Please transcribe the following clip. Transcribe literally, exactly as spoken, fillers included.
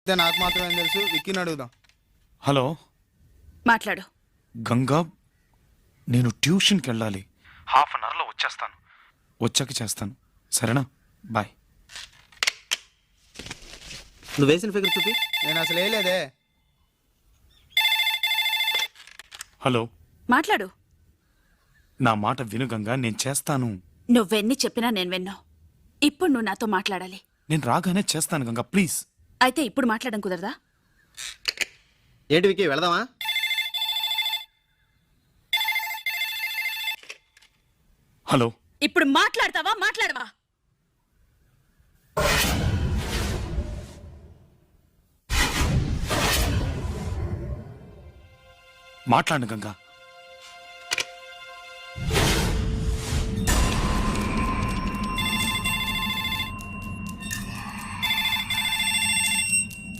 అయితే నాకు మాత్రం ఏం తెలుసు, విక్కీని అడుగుదాం. హలో మాట్లాడు. గంగా, నేను ట్యూషన్కి వెళ్ళాలి. హాఫ్ అన్ అవర్లో వచ్చేస్తాను. వచ్చాక చేస్తాను, సరేనా? బాయ్. నువ్వు వేసిన ఫిగర్ చూపి. నేను అసలు వేయలేదే. హలో, మాట్లాడు. నా మాట విను గంగా, నేను చేస్తాను. నువ్వెన్ని చెప్పినా నేను విన్నావు. ఇప్పుడు నువ్వు నాతో మాట్లాడాలి. నేను రాగానే చేస్తాను గంగా, ప్లీజ్. అయితే ఇప్పుడు మాట్లాడడం కుదరదా? ఏంటి విక్కీ, వెళదామా? హలో, ఇప్పుడు మాట్లాడతావా మాట్లాడవా? మాట్లాడు గంగా.